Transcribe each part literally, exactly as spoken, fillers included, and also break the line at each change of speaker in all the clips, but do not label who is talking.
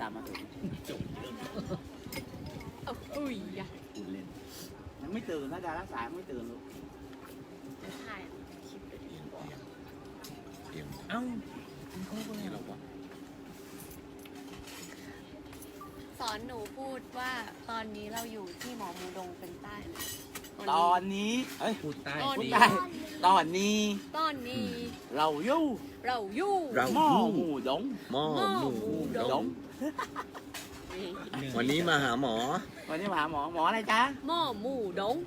ตามมาถึงจบ
อุ้ยอ่ะ
พูดเล่นยังไม่ตื่นนะดารักษาไม่ตื่นลูก
จะถ่ายคลิปไปดิ
เอ้าเขาก็ไงหรอวะ
สอนหนูพูดว่าตอนนี้เราอยู่ที่หมอมูดงเป็นใต้ไหม
ตอนนี้เฮ้ย
พูดใต้
พูด
สิ
ได้ตอนนี้
ตอนนี้
เราอยู่
เราอยู่
เรา
หม้อหมูดง
หม้อหมู
ด
ด
ง
งวันนี้มาหาหมอ
วันนี้มาหาหมอหมออะไรจ๊ะ
หม้อหมูดง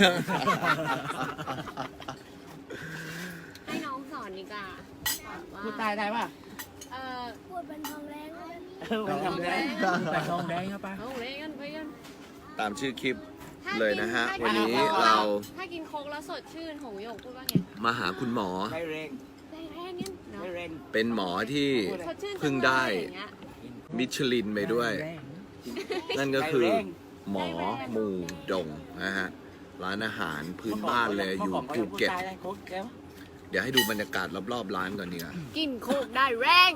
ให้น้องสอนดีกว่าสอนว่า
พูดใต้ได้ป่ะ
เอ่อ
พูดเป็นทองแดงเลย
เออมันทำได้
แต่ทองแดงครับป้า
เอาเลยกันไปกัน
ตามชื่อคลิป
ถ้า
เลยนะฮะ
กิ
วันนี้
ถ้กิโค้ก
เรา
ถ้ากินโค้กแล้วสดชื่นหงหยกพูดว่าไง
มาหาคุณหมอ
ไม่เร่ง
แรงๆงั้นเนาะ
ไม่เร่ง
เป็นหมอที่
สดชื่น
เพิ่งได้
จัเลยอย่างเงี้ย
มิชลินไปด้วย นั่นก็คือ หมอหมูดงนะฮะ ร้านอาหารพื้นบ้านเลยอยู่ภูเก็ต เดี๋ยวให้ดูบรรยากาศรอบๆร้านก่อนดีกว่า
กินโคกได้แรง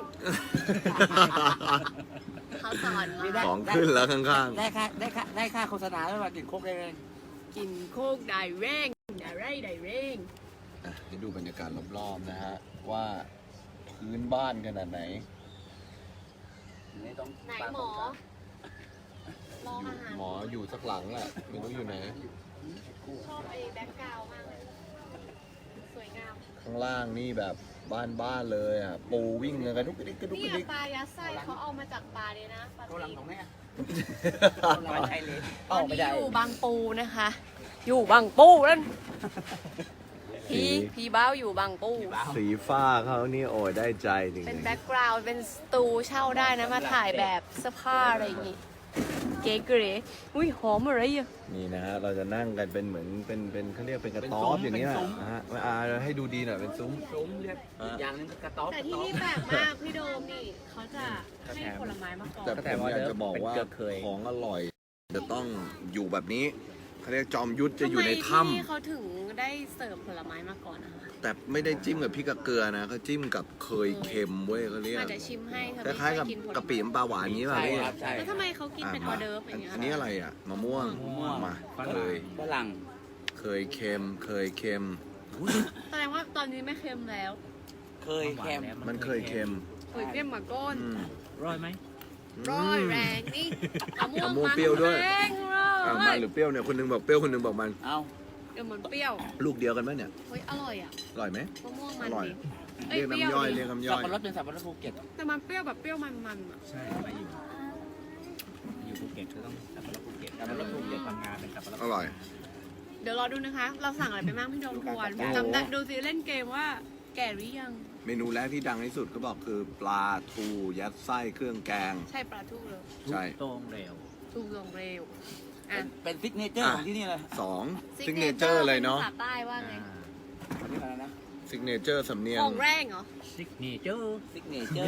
เขาสอนมา
ของขึ้นแล้วข้าง
ได้ค่าได้ค่าได้ค่าโฆษณาด้วยว่ากินโคกได้เร่ง
กินโคกได้แรงได้ไรได้แรง
ๆอ่ะให้ดูบรรยากาศรอบๆนะฮะ ว่าพื้นบ้านขนาดไหน
ไม่ต้อง
ไหนหมอรออาหาร
หมออยู่สักหลังแหละไม่รู้อยู่ไหน
ชอบไอ้แบ็คกราวด์มากเลยสวยงาม
ข้างล่างนี่แบบบ้านๆเลยอ่ะ ปูวิ่งกันกระดุกกระดิกกระดุก
นี่
กระดิก
ปลายัดไส้เขาเอามาจากปลาเลยนะปลา
โกลัง
ตีน
ของแม่โกลังใช่เลย
ตอนนี้อยู่บางปูนะคะ อยู่บางปูนั่นพี่พี่บ้าวอยู่บางปู
สีฟ้าเขานี่โอ้ยได้ใจจริง
เป็น
ๆ
แบ็คกราวด์เป็นสตูเช่าได้นะมาถ่ายแบบเสื้อผ้าอะไรอย่างงี้ เก๋เก๋อุ้ยหอมอะไรอ่ะ
นี่นะฮะ เราจะนั่งกันเป็นเหมือนเป็นเป็นเขาเรียกเป็นกระต๊อบอย่างนี้แหละนะฮะอ่าให้ดูดีหน่อยเป็นซุ้ม
ซุ้มเรียกอีกอย่างหนึงก็กระต๊อบ
แต่ที่นี่แปลกมากพี่โดมนี่เขาจะให้ผลไม้มาก่อน
แต่ผมอยากจะบอกว่าของอร่อย จะต้องอยู่แบบนี้เขาเรียกจอมยุทธจะอยู่ในถ้
ทำไมที่เขาถึงได้เสิร์ฟผลไม้มาก่อนนะคะ
ำแต่ไม่ได้จิ้มกับพริกกับเกลือนะเขาจิ้มกับเคยเค็มเว้ยเขาเรียก
อาจจะชิมให้เธอ
คล้ายๆกับ
ไม่เคยกินผลไม้
กะปิน้ำปลาหวานอย่างนี้ป่ะ
ใช่
พี่
ครับใช่
แล้วทำไมเขากินเป็นออเดิร์ฟอย่างเงี้ย
อันนี้อะไรอ่ะมะม่วง
มะม่วง
มาเคย
ฝรั่ง
เคยเค็ม เคยเค็ม
แสดงว่าตอนนี้ไม่เค็มแล้ว
เคยแคม
มันเคยเค็ม
เคยเค็มมาก้น
อืม
ร้อยไหม
ร้อยแรงนี่มะม่วง
มะม่วงเปรี้ยวด้วย
แรงเล
อ่ะมัน
ย
หรือเปรี้ยวเนี่ยคนหนึงบอกเปรี้ยวคนหนึงบอกมัน
เอา
เดี๋ยวมันเปรี้ยว
ลูกเดียวกันไหมเนี่ย
เฮ้ยอร่อยอ่ะ
อร่อยไหม
มะม่วงมัน
อร่อย
ดีเอ้ย
เรียก
เปรี้ยว
น้ำย่อย
ดี
เรียกน้ำย่
สับ
อย
ปะรดเป็นสับปะรดภูเก็ต
แต่มันเปรี้ยวแบบเปรี้ยวมันๆอ่ะ
ใช่มาอยู่มาอยู่ภูเก็ตก็ต้องสับปะรดภูเก็ตสับปะรดภูเก็ตพังงาเป็นสับปะรด
อร่อย
เดี๋ยวรอดูนะคะ เราสั่งอะไรไปบ้างพี่โดมทวน
โอ้โห
จำได้ดูสิเล่นเกมว่าแก่หรือยัง
เมนูแรกที่ดังที่สุดก็บอกคือปลาทูยัดไส้เครื่องแกง
ใช่ปลาทูเลย
ใช่
ตรงเร็ว
ทูลงเร็วอ่ะ
เป็นซิกเนเจอร์ของที่นี่เลย
สองซิกเนเจอร์เลยเนาะ
ภาษาใต้ว่าไง
อันนี้อะไรนะ
ซิกเนเจอร์สำเนียง
ของแรงเหรอ
ซิกเนเจอร์
ซิกเนเจอร์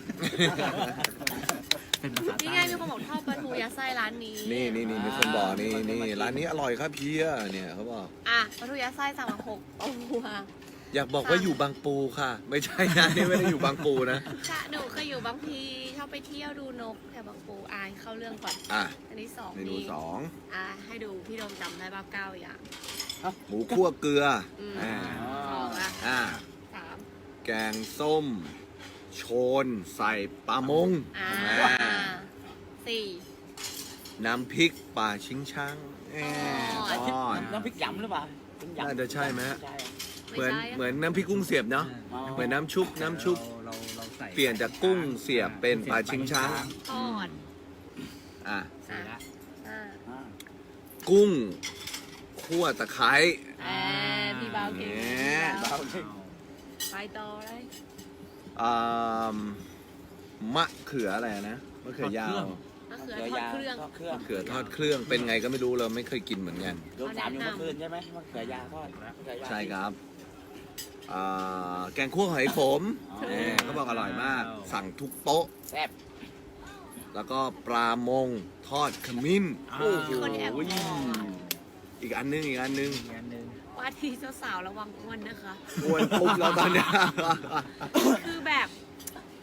เป็นภาษา
นี่
ใต้
ไงมีคนบอกชอบปลาทูยัดไส้ร้านนี้
นี่นี่นี่มีคนบอกนี่นี่ร้านนี้อร่อยครับเพียเนี่ยเขาบอก
อ่ะปลาทูยัดไส้สั่งมาหกตัว
อยากบอกว่าอยู่บางปูค่ะ ไม่ใช่นะนี่ไม่ได้อยู่บางปูนะ
ค่ะหนูเคยอยู่บางพีชอบไปเที่ยวดูนกแถวบางปูอายเข้าเรื่องก่อน
อ่ะ
อันนี้สอง
เมนูสอง
อ่ะให้ดูพี่โดมจำได้บ้าเก้าอย่าง
หมูคั่วเกลือ
อืม
อ่า
สองละ
อ่า
สาม
แกงส้ม โชนใส่ปลามง
อ่า
อ่า
สี่
น้ำพริกปลาชิงช่างแหม
อ๋อ
ทอด
น้ำพริกยำหรือเปล่าเป็นยำ
น่าจะใช่ไหมฮะ
ใช่
เหมือน
ไใช่ะ
เหมือนน้ำพริกกุ้งเสียบเนาะ
อ๋อ
เหมือนน้ำชุบน้ำชุบ
เราเราใส่
เปลี่ยนจากกุ้งเสียบเป็นปลาชิงช้าง
ทอด
อ่ะ
สี่ละ
อ่า
อ่า
กุ้งคั่วตะไคร้
แอบพี่เบาเก่ง
แหม
พี่เบา
เบาเลย
ไปต่อเลย
อ่ามมะเขืออะไรนะมะเขือยาว
มะเขือทอดเครื่อง
ทอดเครื่อง
มะเขือทอดเครื่องเป็นไงก็ไม่รู้เราไม่เคยกินเหมือนกัน
โดนสามอยู่เมื่อคืนใช่ไหมมะเขือยาวทอดมะเขือยาว
ใช่ครับอ่าแกงคั่วหอยขม
อ๋อ
แหมเขาบอกอร่อยมาก สั่งทุกโต๊ะ
แซ่บ
แล้วก็ปลามงทอดขมิ้นโอ้โห
คนแอบมองอ่ะ
อีกอันนึงอีกอันนึง
อีกอันหนึ่ง
ว่าที่เจ้าสาวระวังอ้วนนะคะ
อ้วนปุ๊บแล้วตอนเนี้ย
คือแบบก็ไ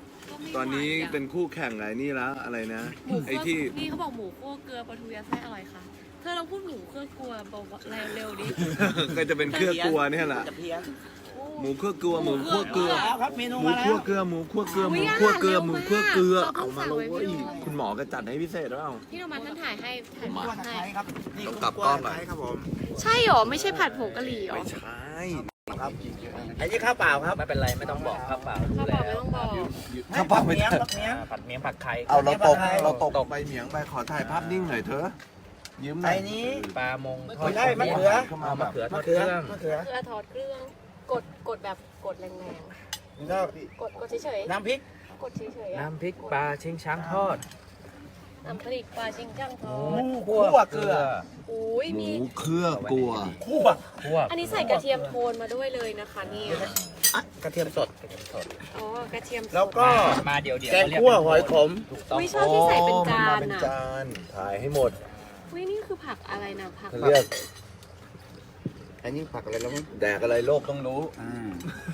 ตอนนี้เป็นคู่แข่งไงนี่แล้วอะไรนะ
หมู
ไอ้
คั่ว
ที่
นี่เขาบอกหมูคั่วเกลือปลาทูยัดไส้อร่อยค่ะ เธอลองพูดหมูคั่วเกลือบอกเร็วๆดิ
ก็จะเป็นเครื่องกลัวเนี่ยแหละ
จะเพี้ยน
หมูคั่วกลัวหมูคั่วเกลือ
แล้วครับเมนู
หมู
มาแล้
คั่ว
ว
เกลือหมูคั่วเกลือห
อุ๊
มู
ย
คั่วเกลือ
อาหาร
หมู
เร็ว
คั่วเกลือ
มาก
เอามาแล้ว
เรา
เว้
ต้อง
ย
สั่งไว้พี่โดม
คุณหมอก็จัดให้พิเศษแล้ว
พี่โนมันท่านถ่ายให้ถ่าย
มา
รูป
ตะไค
ให้
ร้ครับนี่
ต้องกลับกล้องหน่อย
ตะไคร้ครับผม
ใช่หรอ ไม่ใช่ผัดผงกะหรี่หรอ
ไม่ใช่
ครับอันนี้ข้าวเปล่าครับ
ไม่เป็นไรไม่ต้องบอกข้าวเปล่า
ข้าว
รู้
เปล่า
แล้
ไม่
ว
ต้องบอก
ข้าวเปล่าไม่
เมี
ได้
ยงครับเมียง
อ่าผัดเมียงผัดไข่
เอาเราตก
ไม่เป็นไร
เราตกไปเหมียงไปขอถ่ายภาพนิ่งหน่อยเถอะยืมหน่
ไอ้
อย
นี้
ปลามงทอ
ไม่
ด
ได้มะเขือ
เข้ามา มะเขือทอ
มะ
ดเค
เขือ
รื่อง
มะเขือ
เกลือถอดเครื่อง กดกดแบบกดแรง
แล้วก็
ๆ กดกดเฉย
น้ำพริก
ๆ กดเฉยๆอะ
น้ำพริกปลาชิงช้างทอด
น้ำพริกปลาชิงจังทอ
ห
ด
มูคั่วเกลือ
อุ้ย
หมู
มี
เครื่องกลัว
คั่ว
คั่ว
อันนี้ใส่กระเทียมโทนมาด้วยเลยนะคะเนี่ย
อ่ะกระเทียมสด
อ๋อกระเทียมสด
แล้วก็
มาเดี๋ยวเดี๋ยว
แกงคั่วหอยขม
ถูกต้อง
อุ้ยชอบที่ใส่เป็นจาน
เป็น
อ่ะ
จานถ่ายให้หมด
อุ้ยนี่คือผักอะไรนะผัก
เรียก
อันนี้ผักอะไรแล้วมั้ง
แดกอะไรโลกต้องรู้
อ่า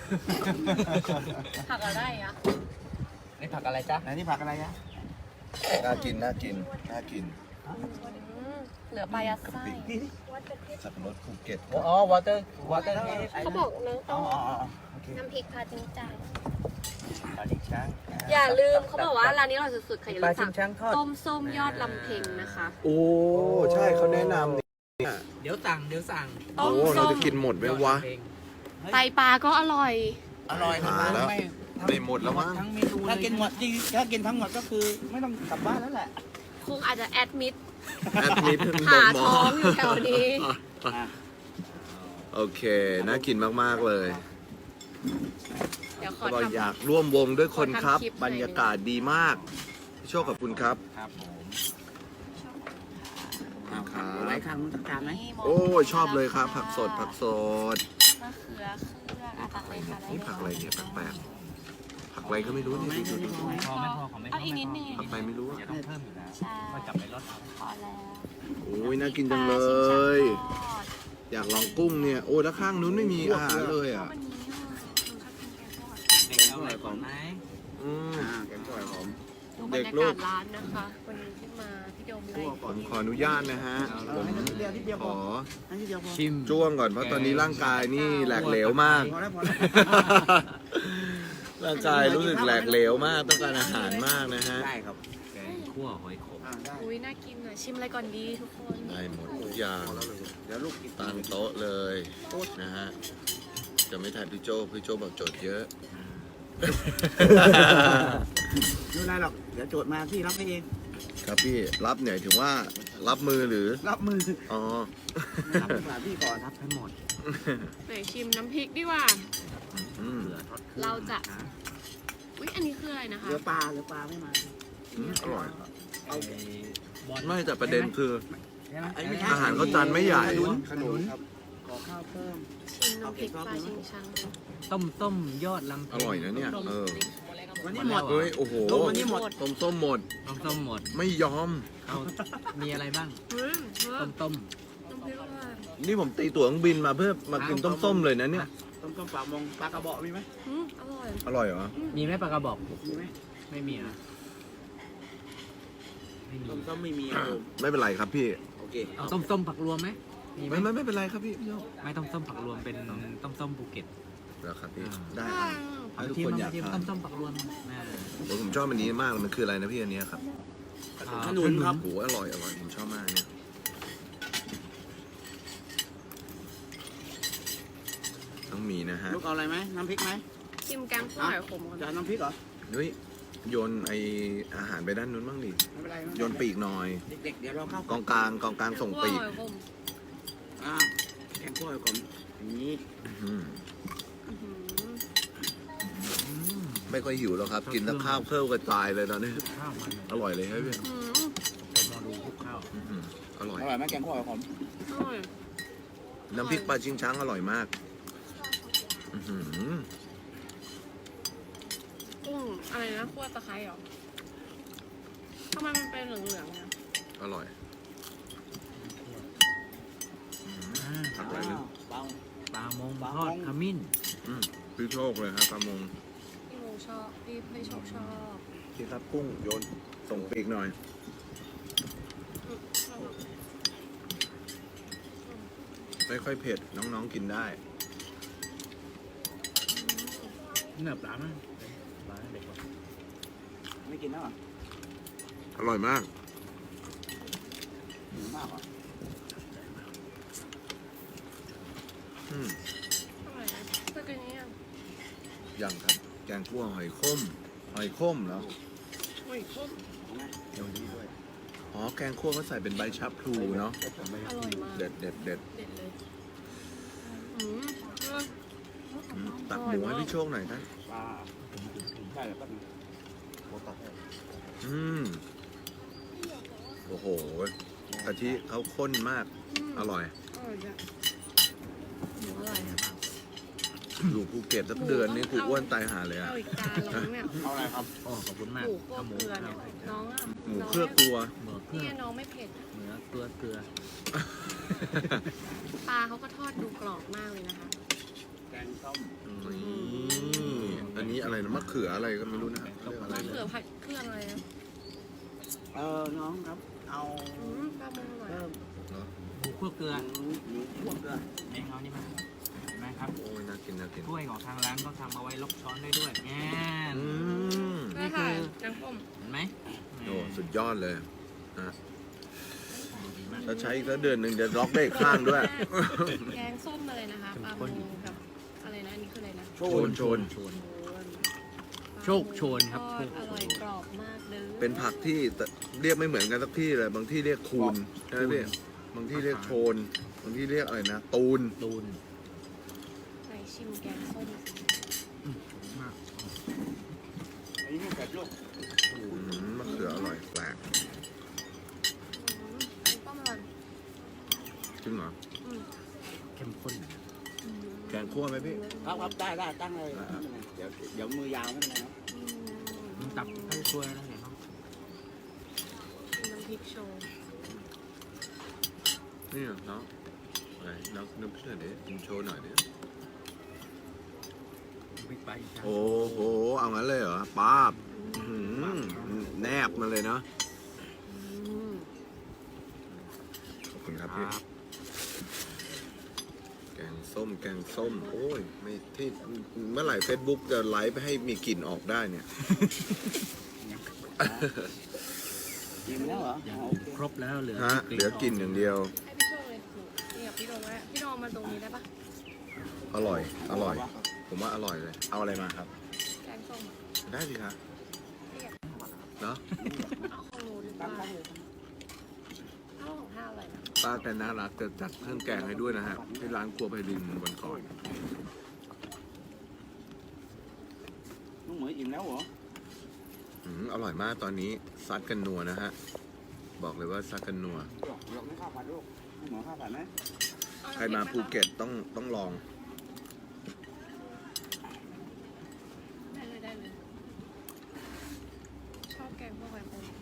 ผักอะไรอะ
นี่ผักอะไรจ๊ะ
อันนี้ผักอะไรอะ
น่ากินน่ากินน่ากิน
อืมเหลือปลายัดไส้
สับปะรดภูเก็ต
อ๋อวอเตอร์วอเตอร์
เขาบอกเนื้อ
อ๋
ต้
อ
อง
อ๋ออ๋อโอเค
น้ำพริกปลาจิงจัง
ปลาชิงช้าง
อย่าลืมเขาบอกว่าร้านนี้อร่อยสุดๆค่ะอย่า
ป
ลื
ลาม ชิ
สั่
ง
ง
ช้างทอด
ต้มส้มยอดลำเพ็งนะคะ
โอ้ใช่เขาแนะนำนี่
เดี๋ยวสั่งเดี๋ยวสั่ง
โอ้
ต้ม
เรา
ส้ม
จะกินหมดไหมวะ
ไตปลาก็อร่อย
อร่อย
หาแล้ว ไม่หมดแล้วมั้ง
ทั้งเมนูเลย
ถ้ากินหมดจริงถ้ากินทั้งหมดก็คือไม่ต้องกลับบ้านแล้วแหละ
คงอาจจะแอดมิด
แอดมิด
หาท้องอยู่แถวนี้
อ่ะ
โอเค น่ากินมาก ๆ เลย
เดี๋ยวขอ
ก็
ทำ
อยากร่วมวงด้วยคนครับ
ขอทำคลิปหน่อย
บรรยากาศดีมากพี่โชคกับคุณครับ
ครับผม
เอาครับหลายครั้งต้องการไหม
โอ้ยชอบเลยครับ ผักสดผักสด
มะเขือเครื่องอ่ะตักเลยค่ะได้
นี่
เลย
ผักอะไรเนี่ยแปลกๆผักอะไรก็ไม่รู้นี่ดูดูดู
ไม่พอไม่พอของไม่พอ
เอาอีกนิดนึง
ผักไปไม่รู้อะ
เดี๋ยวต้องเพิ่มอยู่แล้ว
ใช่
ก็จับไปรสเอา
พอแล้ว
โอ้ยน่ากินจังเลย อยากลองกุ้งเนี่ยโอ้ยแล้วข้างนู้นไม่มีอาหารเลยอ่ะ
วันนี้อ่ะหนูชอบกินแกงทอด
เด็กเอาอะไรก่อนไหม
อืม
อ่าแกงคั่วหอม
ดูบร
เด็
ร
ก
ยา
ลู
กาก ศร้านนะคะ วันนี้ที่มาพี่โดมไล่
ผมขออนุญาตนะฮะผม
ให้นิดเดียวนิดเดียว
ข
พอ
อ
ให้นิดเดียวพอ
ชิม
จ้วงก่อนเพราะตอนนี้ร่างกายนี่แหลกเหลวมาก
พอแล้วพอแล้ว
ร่างกายรู้สึกแหลกเหลวมากต้องการอาหารมากนะฮะ
ได้ครับ
แกงคั่วหอยขม
อ่าได้
อุ้ยน่ากินอ่ะ ชิมอะไรก่อนดีทุกคน
ได้หมดทุกอย่าง
เดี๋ยวลูกกิน
ตั้งโต๊ะเลยนะฮะจะไม่ถ่ายพี่โจพี่โจบอกโจทย์เยอะ
ไม่เป็นไรหรอกเดี๋ยวโจทย์มาพี่รับให้เอง
ครับพี่รับเนี่ยถึงว่ารับมือหรือ
รับมือ
อ๋อ
รับดีกว่าพี่ก่อนรับให้หมด
ไหนชิมน้ำพริกดีกว่า
อืม
เราจะ อุ้ยอันนี้คืออะไรนะคะ
เรือปลาเรือปลาไม่มา
อืมอร่อย
เอา
ไม่แต่ประเด็นคือ
ไอ้ไม่ใช่
อาหารเขาจานไม่ใหญ่
ขนุนขนุนครับขอข้าวเพิ่ม
ชิมน้ำพริกปลาชิงชัง
ต้มต้มยอดลำ
อร่อยนะเนี่ยเออ
วันนี้หมด
เฮ้ยโอ้โห
ลงวันนี้หมด
ต้มส้มหมด
ต้มต้มหมด
ไม่ยอม
เอามีอะไรบ้าง
อืมเออ
ต้มต้ม
น้ำพริกอร่อย
นี่ผมตีตั๋วเครื่องบินมาเพื่อมากินต้มส้มเลยนะเนี่ย
ต้มต้มปลามงปลากระบอกมีไหม
อืมอร่อย
อร่อยเหรอ
มีไหมปลากระบอก
มีไหม
ไม่มีอ่ะไม่มี
ต้มต้มไม่มีครับผม
ไม่เป็นไรครับพี่
โอเค
เอาต้มส้มผักรวมไหมมีไหม
ไม่ไม่ไม่เป็นไรครับพี่พี่โย
ไม่ต้มส้มผักรวมเป็นต้มส้มภูเก็ต
แล้วครับพี่
อ่า
ได้
อื
อ่ะ
ม
ให้ทุกคนอยาก
เทีม
ทา
ต้
น
มส้มผักรวมอ่า
โอ้ผมชอบอันนี้มากเลยมันคืออะไรนะพี่อันเนี้ยครับ
อ่า
ขนุนครับ
โอ้โหอร่อยอร่อยผมชอบมากเนี่ยต้องมีนะฮะ
ลูกเอาอะไรไหมน้ำพริกไหม
ชิมแกงคั่วหอยขมก่อน
จะเอาน้ำพริกเหรอ
นุ้ยโยนไออาหารไปด้านนู้นบ้างดิ
ไม่เป็นไร
โยนปีกหน่อย
เด็กๆเดี๋ยวเราเข้าก
องกลางกองกลางส่งปีก
แกคั่วหอยขม
อ่าแกงคั่วก่อนอย่างนี้
อืม
อื้อหือ
ไม่ค่อยหิวแล้วครับ กินแล้วข้าวเครื่องกระจายเลยตอนนี้
ข้าวมัน
อร่อยเลยครับพี่
อื้อหือ
เป็นโมดูคลุกข้าว
อื้อหืออร่อย
อร่อยไหมแกงคั่วหอม
อร่อย
น้ำพริกปลาชิงช้างอร่อยมากอื้อหือ
กุ้งอะไรนะคั่วตะไคร้เหรอทำไมมันเป็นเหลืองๆเนี่ย
อร่อย
อ่า
ผักอะไรนะ
เบา
ปลามง
ปลา
ทอด
มง
ขมิ้น
อืมพี่โชคเลยครับปลามง
พี่โมชอบรีบให้ชอบชอบ
พี่ครับกุ้งโยนส่งปีกหน่อย ไม่ค่อยเผ็ดน้องๆกินได้
เนื้อปลาไหมปลาเด็กกว่า
ไม่กินแล้วเหรอ
อร่อยมาก
หิวมากเหรอ
อืม
อร่อยนะเมื่อกี้นี้อ่ะ
อย่างครับ แกงคั่วหอยข้มหอยข้มแล้ว
โอ้ยคุ้ม
เอาไหม
เดี๋ยวนี้ด้วย
อ๋อแกงคั่วเขาใส่เป็นใบชะพลูเนาะ
อร่อยมาก
เด็ดเด็ดเด็ด
เด็ดเลยอืมเออ
อืมตักหมูให้พี่โชคหน่อยท่าน
ปลาได้แล้วก็โบตัด
อืมโอ้โหกะทิเขาข้นมาก อร่อย
อร่อยจ้ะหมูอร่อยอ่ะ
อยู่ภูเก็ตสักเดือนนี้กูอ้วนตายหาเลยอะ
เอาอีกจานลงเนี่ย
เอาอะไรครับ
อ๋อขอบคุณมาก
หมูคั่วเกลือเนี่ยน้องอ่ะ
หมูเครือครัว
หมูเครื่
เนี่
อย ง
น้องไม่เผ็ดอะ
เนื้อเกลือเกลือ
ปลาเขาก็ทอดดูกรอบมากเลยนะคะ
แกงส้ม
นี่อันนี้อะไรนะมะเขืออะไรก็ไม่รู้นะครับเรียกอะไร
มะเขือ
นะ
ผัดเครื่องอะไรนะ
เออน้องครับ เอา
อืมปลาหมึกอร่อย
เพิ่ม
เนาะ
หมูคั่วเกลือ
หมูหมูคั่วเกลือ
เองเอานี่มาเห็นไหมครับ
โอ้ยน่ากินน่ากิน
ถ้วยของทางร้านก็ทำเอาไว้ลกช้อนได้ด้วยแง่
อืม
นี่ค่ะน้ำส้ม
เห็นไหม
โอ้สุดยอดเลย
ดีมาก
ถ้าใช้อีกสักเดือนหนึ่งจะล็อกได้อีกข้างด้วย
แกงส้มอะไรนะคะปลาหมึกกับอะไรนะอันนี้คืออะไรนะ
โชนโชน
โชน
โชน
โชคโชนครับ
ทอดอร่อยกรอบมากเลย
เป็นผักที่เรียกไม่เหมือนกันสักที่เลย บางที่เรียกคูนใช่ไหมพี่บางที่เรียกโชน บางที่เรียกอะไรนะ ตูน
ตูน
ไหนชิมแกงส้มสิ
มาก
อันนี้ไม่เผ็ดลูก
อืมมะเขืออร่อยแปลก
อืมอันนี้ก็อร่อย
จริงเหรอ
อืม
เข้มข้น
อืม
แกงคั่วไหมพี่
ครับครับได้ได้ตั้งเลยเดี๋ยวเดี๋ยวมือยาวไม่เป็นไรนะ
อืม
มันตับให้ช่วยแล้วไงครับ
น้ำพริกโชว์
นี่เหรอเนาะอะไรน้องนึกเพื่อนเดี๋ยวกินโชว์หน่อยดิ
บิ๊กไบค์อีกครั้ง
โอ้โห เอางั้นเลยเหรอป้าบอื้อหือแนบมาเลยเนาะ
อืม
ขอบคุณครับ
ค
พี่
รับ
แกงส้ม แกงส้ม โอ้ย ไม่ที่เมื่อไหร่เฟซบุ๊กจะไลฟ์ให้มีกลิ่นออกได้เนี่ย
กินแล้วเหรอ
อย่าง
อ๋อโอเค
ครบแล้วเหลือ
ฮะ เหลือกลิ่นอย่างเดียว
ให้พี่โชว์เลยนี่กับพี่โดมไว้พี่โดมมาตรงนี้ได้ปะ
อร่อย อร่อย ผมว่าอร่อยเลย เอาอะไรมาครับ
แกงส้มอะ
ได้สิครับเนาะ
เอาของหนูดีก
ตั้
ว่าง
ตั้งเลย
เอาของข้าวอะไรนะ
ป้าแต่น่ารักจะจัดเครื่องแกงให้ด้วยนะฮะ ที่ร้านครัวไพรินวันก่อน
น้องเหมยอิ่มแล้วเหรอ
อืมอร่อยมากตอนนี้ซัดกันนัวนะฮะ บอกเลยว่าซัดกันนัว
หยอกหยอกไม่ข้าวผัดลูกน้องเหมยข้าวผัดไหม
เอ
ใครมาภูเก็ตต้องต้องลอง
ได้เลยได้เลยชอบแกงพวกแบบนี้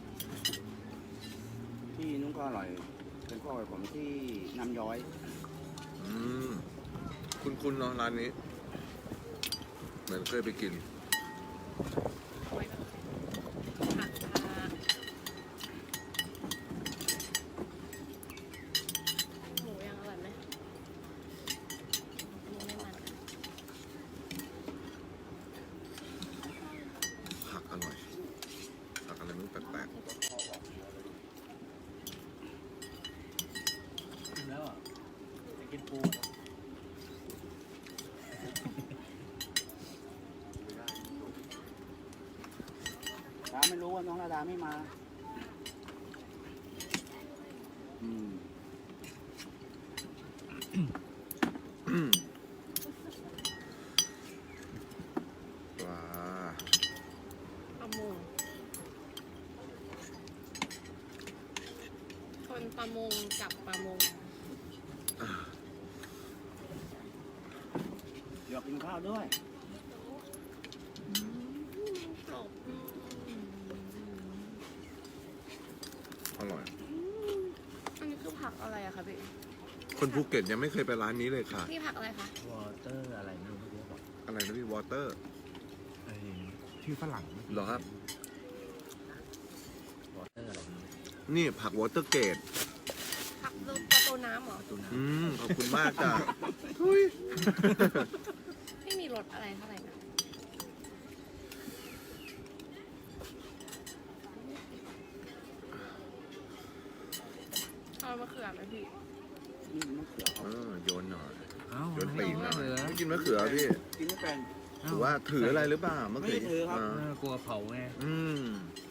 ที่นุ่งก็อร่อย เป็นข้าวผมที่น้ำย้อย
อืม คุณคุณเนาะร้านนี้ เหมือนเคยไปกิน
เอาไว้ก่อนผักค่ะหมูยังอร่อยไหมอันนี้ไม่มัน
ผักอร่อย ผักอะไรไม่รู้แปลก
แล้วอ่ะจะกินปู
ดาไม่รู้ว่าน้องระดาไม่มา อืม
ๆว้า
ปลาหมงคนประมงกับประมง
เดี๋ยวกินข้าวด้วย
กรอบอืม
อร่อย
อันนี้คือผักอะไรอะคะพี่
คนภูเก็ตยังไม่เคยไปร้านนี้เลยค่ะ
พี่ผักอะไรคะ
วอเตอร์อะไรไม่รู้เมื่อกี้บอก
อะไรนะพี่วอเตอร์
ไอ้ชื่อฝรั่ง
เหรอครับ
วอเตอร์อะไร
นี่ผักวอเตอร์เกต
ผักลูกประตูน้ำเหรอ
ประตูน้
อืม ขอบคุณมากจ้ะทุย
ไม่มีรสอะไรเท่าไหร่นะเอามะเขือไหมพี่
นี่มะเขือ
เออโยนหน่อย
ำเอ้า
โยนปีกหน่อย
เหลือ
ไม่กินมะเขือพี่
กินไม่เป็น
ถือว่าถืออะไรหรือเปล่าเมื่อกี้
ไม่ได้ถือครับ
า
เออกลัวเผาไง
อืม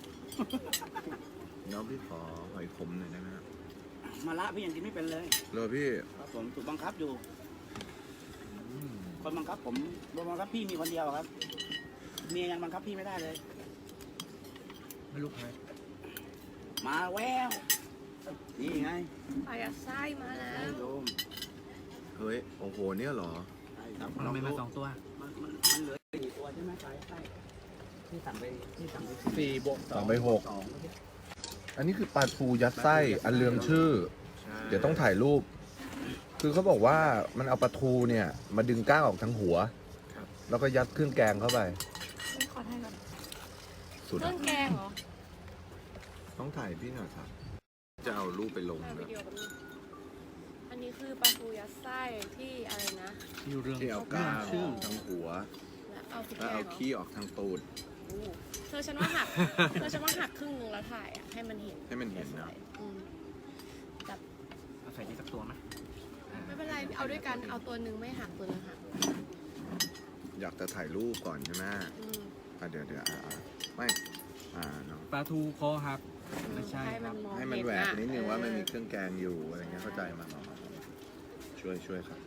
น้องพี่ขอหอยขมหน่อยได้ไหมครับ
มาละพี่ยังกินไม่เป็นเลย
รอพี่
ครับผมถูกบังคับอยู่
อืม
คนบังคับผมบังคับพี่มีคนเดียวครับเมียยังบังคับพี่ไม่ได้เลย
ไม่รู้ใคร
มาแววนี่ไง
ปลายัดไส้มาแล้ว
โดม
เฮ้ย โอ้โห เนี่ยเหรอ
ใช่ครับ
มันไม่มาสองตัว
มันมันมันเหลือสี่ตัวใช่ไหมใช่ใช่ที่สั่งไปที่สั่งไป
สี่บวก
สองไปหก
สอง
อันนี้คือปลาทูยัดไส้อันเรืองชื่อ เดี๋ยวต้องถ่ายรูป คือเขาบอกว่ามันเอาปลาทูเนี่ย มาดึงก้างออกทั้งหัว แล้วก็ยัดเครื่องแกงเข้าไป
ไม่ขอถ่ายก่อน
สุด
เครื่องแกงเหรอ
ต้องถ่ายพี่หน่อยครับ จะเอารูปไปลง
ถ่ายวิ
นะ
ดีโอกันอันนี้คือปลาทูยัดไส้ที่อะไรนะ
ที่เรื่อง
ที่เอาก้างอ
ชื่อ
อกทั้งหัว
แล้วเอาพริก
แล้ว
แก
เอา
งเหรอ
ขี้ออกทางตูด
โอ้เธอฉันว่าหัก เธอฉันว่าหักครึ่งหนึงแล้วถ่ายอ่ะ ให้มันเห็น
ให้มันเห็นนะ
อืมแบบ
เอาใส่ที่สักตัวไหมอ่า
ไม่เป็นไร เอาด้วยกัน เอาตัวหนึ่งไม่หักตัวหนึงหัก
อยากจะถ่ายรูปก่อนใช่ไหม
อืม
อ่ะเดี๋ยวเดี๋ยวอ่ะอ่ะไม่ อ่าเนาะ
ปลาทูคอหัก ไม่ใช่
ให้
ครั
มัน
บ
มอง
ให้มัน
เห็
แหวก
อะ
นิดนึงว่ามันมี
เออ
เครื่องแกงอยู่อะไรเงี้ยเข้าใจมามามามาช่วยช่วยครับ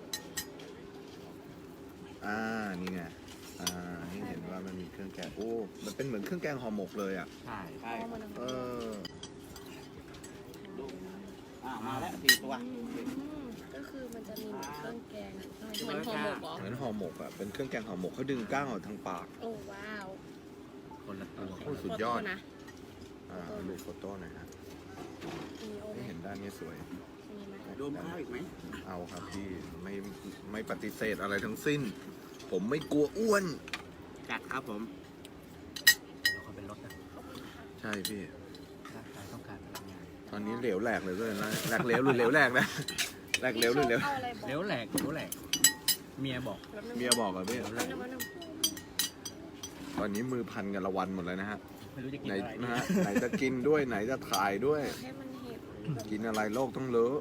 อ่า นี่ไง อ่าให้เห็นว่ามันมีเครื่องแกง โอ้ มันเป็นเหมือนเครื่องแกงห่อหมกเลยอ่ะ
ใช่
ใช่
เอามัน
เออ
ดูอ่ามาแล้วสี่ตัว
อืมก็คือมันจะมีเหมือนเครื่องแกงเหมือนห่อหมกเหรอ
เหมือนห่อหมกอ่ะ เป็นเครื่องแกงห่อหมกเขาดึงก้างออกทางปาก
โอ้ว้าว
คนละตัว
โอ้สุดยอด
โฟโต้นะ
อ่าดูโฟโต้หน่อยฮะ
มีโอไหม
ให้เห็นด้านนี้สวย
มีไหม
โดมข้าวอีกไหม
เอาครับพี่ไม่ไม่ปฏิเสธอะไรทั้งสิ้น ผมไม่กลัวอ้วน
จัดครับผม
แล้วก็เป็นรถนะ
ใช่พี่
ร่างกายต้องการพลังงาน
ตอนนี้เหลวแหลกเลยด้วยนะแหลกเหลวหรือเหลวแหลกนะแหลกเหลวหรือเหลว
เอาอะไรบอก
เลี้ยวแหลกเลี้ยวแหลก เมียบอก
เมียบอกอะพี่
เอาน้ำมันน้
ตอนนี้มือพันกันละวันหมดเลยนะฮะ
ไม่รู้จะกิน
ไหน
อะไร
นะฮะไหนจะกินด้วยไหนจะถ่ายด้วย
ำให้มันเห็นแบบ
กินอะไรโลกต้องเลอะ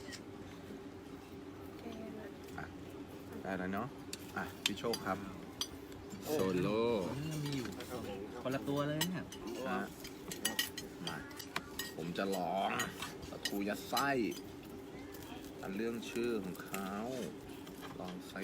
แกงอะ
ได้แล้วเนาะอ่ะพี่โชคครับโซโล่
เออมีอยู่คนละตัวเลยเนี่ย
นะฮะมาผมจะลองปลาทูยัดไส้อันเรื่องชื่อของเขาลองซิ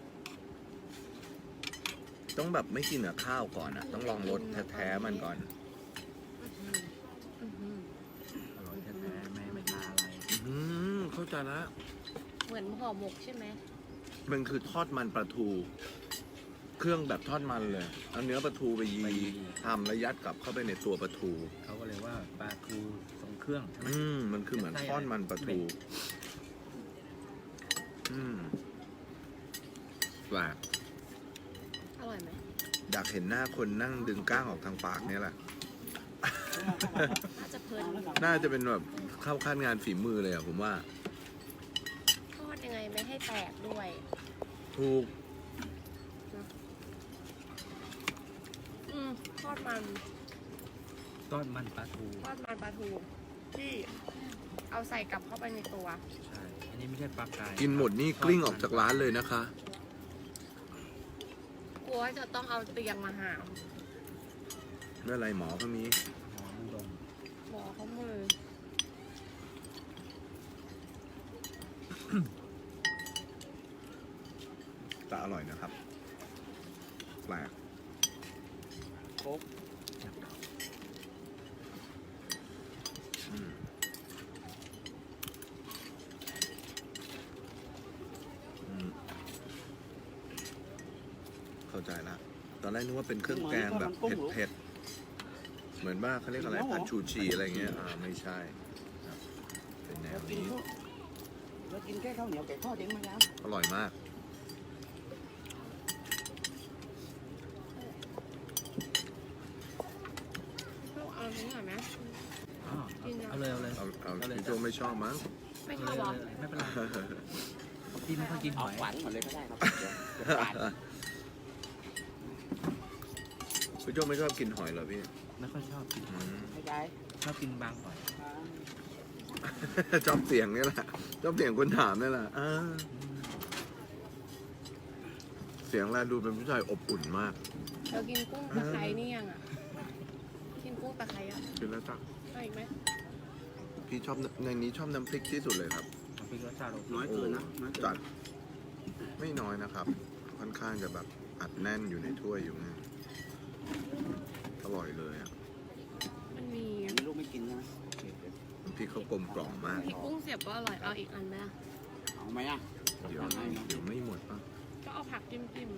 ต้องแบบไม่กินกับข้าวก่อนอ่ะ ต้องลองรสแท้ๆมันก่อน
อื้อหือ
อร่อยแท้ๆไม่ไม่ทาอะไร
อืมเข้าใจแล้ว
เหมือนห่อหมกใช่ไหม
มันคือทอดมันปลาทู เครื่องแบบทอดมันเลยเอาเนื้อปลาทูไปยีทำแล้วยัดกลับเข้าไปในตัวปลาทู
เขาก็เลยว่าปลาทูทรงเครื่องใช่ไหม
อืมมันคือเหมือนทอดมันปลาทู อืมแปลก
อร่อยไหม
อยากเห็นหน้าคนนั่งดึงก้างออกทางปากเนี่ยแหละ
น่าจะเพลินอยู่
น่าจะเป็นแบบเข้าขั้นงานฝีมือเลยอะผมว่า
ทอดยังไงไม่ให้แตกด้วย
ถูก
อืมทอดมัน
ทอดมันปลาทู
ทอดมันปลาทูที่เอาใส่กลับเข้าไปในตัว
ใช่ อันนี้ไม่ใช่ปลากาย
กินหมดนี่กลิ้งออกจากร้านเลยนะคะ
กลัวว่าจะต้องเอาเตียงมาหาม
ไม่เป็นไรหมอก็มี
หอมดง
หมอเขามือ
แต่อร่อยนะครับ แปลก
โค้ก
อืมอืมเข้าใจละตอนแรกนึกว่าเป็นเครื่องแกงแบบเผ็ดๆ เหมือนว่าเขาเรียกอะไรผัดชูชีอะไรเงี้ย อ่า ไม่ใช่ครับเป็นแน
แล้ว
ว
กิน
นี้
ข้าวแล้วกินแค่ข้าวเหนียวไก่ทอดเองไหมครับ
อร่อยมาก อ
เลยเอาเลย
เอาเอา
เอาเลย
พี่โจไม่ชอบมั้ง
ไม่ชอบเหรอ
ไม่เป็นไรพี่ไม่ค่อยกินห
เอา
อย
ขวานหมดเลยก็ได้ครับเดี๋ยวเดี๋ยวขวาน
พี่โจไม่ชอบกินหอยเหรอพี่
ไม่ค่อยชอบกินหอย
ไม่ได้
ชอบกินบางหอย
ชอบเสียงนี่แหละชอบเสียงคนถามนี่แหละอ่าเสียงแลดูเป็นผู้ชายอบอุ่นมาก
เรากินกุ้งตะไคร้นี่ยังอ่ะ กินกุ้งตะไคร้อ่ะ
กินแล้วจ้ะ
เอาอีกไหม
พี่ชอบในนี้ชอบน้ำพริกที่สุดเลยครับ
น้ำพริกรสชาติโอเค
น้อยเกินนะน้อยเกิน
จัดไม่น้อยนะครับ ค่อนข้างจะแบบอัดแน่นอยู่ในถ้วยอยู่ไงอร่อยเลยอ่ะ
มันมี
อันนี้ลูกไม่กินใช่ไหมโอเคเดี๋ยว
น้ำพริกเขากลมกล่อมมาก
พริกกุ้งเสียบก็อร่อย เอาอีกอันไหมล่ะ
เอาไหมอ่ะ
เดี๋ยวเดี๋ยวไม่หมดป่ะ
ก็เอาผักจิ้มจิ้ม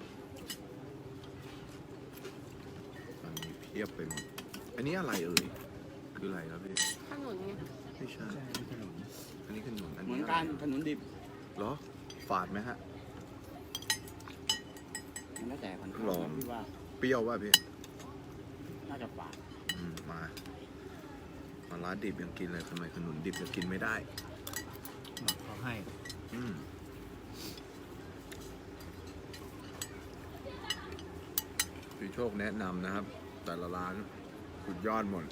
ตอนนี้เพียบไปหมด อันนี้อะไรเอ่ยคืออะไรครับพี่
ขนุนไง
ไม่ใช่
ใช่ไม่ขนม
อันนี้ขนมอัน
เหมื
นี้
อนกันขนุนดิบ
เหรอฝาดไหมฮะ
มันแล้วแต่คน
ลอง
พี่ว่า
เปรี้ยวป่ะพี่
น่าจะฝาด
อืมมามาร้านดิบยังกินเลยทำไมขนุนดิบยังกินไม่ได้
หมักเขาให้
อืมพี่โชคแนะนำนะครับ แต่ละร้านสุดยอดหมด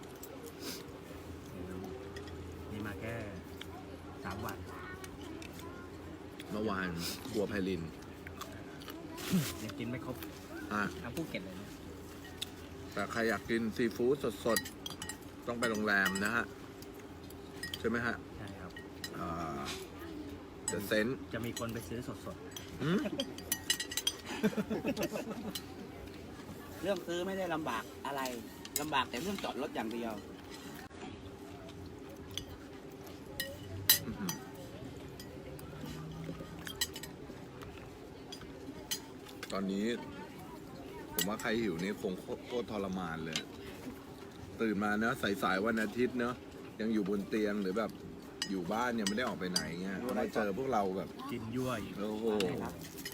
นี่มาแค่สามวัน
เมื่อวานครัวไพลิน
ยังกินไม่ครบ
อ่ะ
ทั้งภูเก็ตเลยเนี่ย
แต่ใครอยากกินซีฟู้ดสดๆ ต้องไปโรงแรมนะฮะ ใช่ไหมฮะ
ใช่ครับ
อ่าเดอะเซน
จะมีคนไปซื้อสด
เรื่องซื้อไม่ได้ลำบากอะไรลำบากแต่เรื่องจอดรถอย่างเดียว
ตอนนี้ ผมว่าใครหิวนี่คงโคตรทรมานเลย ตื่นมาเนอะสายๆวันอาทิตย์เนอะยังอยู่บนเตียงหรือแบบอยู่บ้านยังไม่ได้ออกไปไหนเงี้ยมาเจอพวกเราแบบ
ๆ กินยั่วอีก
โอ้โห
ครับ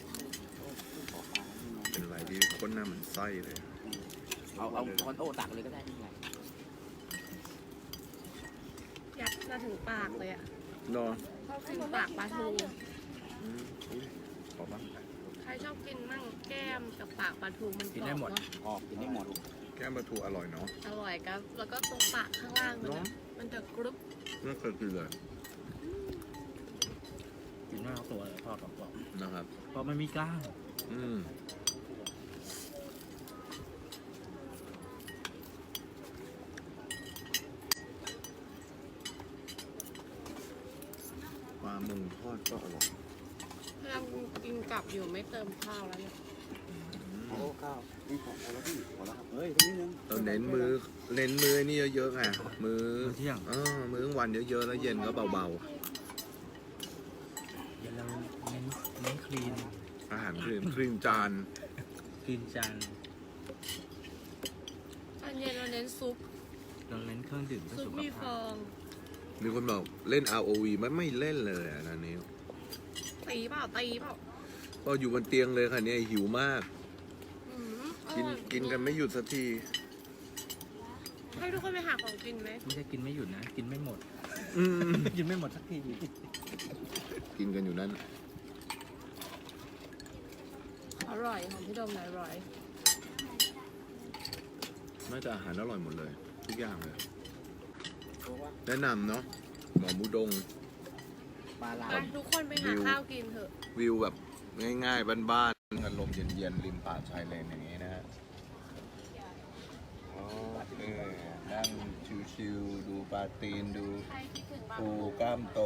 เป็นอะไรที่คนหน้าเหมันไส้เลย
เอาเอาคอนโต้ตักเลยก็ได้ไม่เป็นไร
ยัดมาถึงปากเลยอ่ะ
เนาะ
ชอบกินปากปลาทู
อืมอุ๊ยขอบ้าง
ใครชอบกินมั่งแก้มกับปากปลาทูมันก
กิน
รอ
ได้
บ
หมด
เนาะ
ออกกินได้หมด
แก้มปลาทูอร่อยเนาะ
อร่อยครับ แล้วก็ตรงปากข้างล่างมัน
เนาะ
อะมันจะกรุบ
ไม่เคยกินเลย
กินไม่เอาตัวเลยทอดกรอบ
นะครับ
ๆเพราะมันมีกล้าง
อืมปลาหมึงทอดก็อร่อย
พยายามกินกลับอยู่ไม่เติมข้าวแล้วเนี่ย
โอ้ข้าวนี่ของเอาแล้วพี่พอแล้วครับเฮ้ยตรงนี้นึง
เราเน้นมือเน้นมือนี่เยอะๆไงมือ
มื้อเที่ยง
เออมื้อกลางวันเยอะๆแล้วเย็นก็เบา
เดี๋ยวเราเน้นเน้นคลีน
ๆ อาหารครีมครีมจาน
คลีนจาน
ตอนเย็นเราเน้นซุป
เราเน้นเครื่องดื่มเพื่อ
ซุป
สุข
มีฟ
ภา
อ
พ
ง
มีคนบอกเล่น อาร์ โอ วี มันไม่เล่นเลยอ่ะนันนี้
ตีเปล่าตีเปล่า
ก็อยู่บนเตียงเลยค่ะเนี่ยหิวมาก
อืมอ
กิน
ร่อย
กินกันไม่หยุดสักที
ให้ทุกคนไปหาของกินไหม
ไม่ใช่กินไม่หยุดนะ กินไม่หมด
อืม
กินไม่หมดสักที
กินกันอยู่นั้น
อร่อยของพี่โดมอร่อย
น่าจะอาหารอร่อยหมดเลย ทุกอย่างเลย
เพราะว่า
แนะนำเนาะหมอมูดง
ปลาลา
ไป
ว
ทุกคนไปหา
วิว
ข้าวกินเถอะ
วิวแบบง่ายๆ บ้านๆกันลมเย็นๆ ริมป่าชายเลนอย่างนี้นะฮะอ๋อเออนั่งชิวๆ ดูปลาตีนดูปูกล้ามโต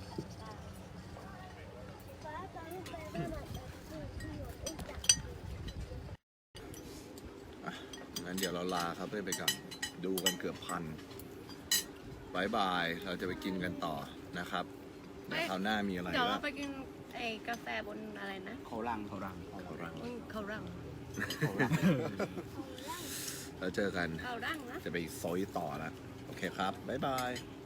อ่ะงั้นเดี๋ยวเราลาครับเพื่อนไปกันดูกันเกือบพันบายบาย เราจะไปกินกันต่อนะครับเดี๋ยวคราวหน้ามีอะไร
เดี๋ยว
ก็
เราไปกินไอ้กาแฟบนอะไรนะ
เขาลัง
เขารัง
เขารัง
อืมเขารัง
เขาลัง
แล้วเจอกัน
เขารังนะ
จะไปซอยต่อแล้ว โอเคครับ บ๊ายบาย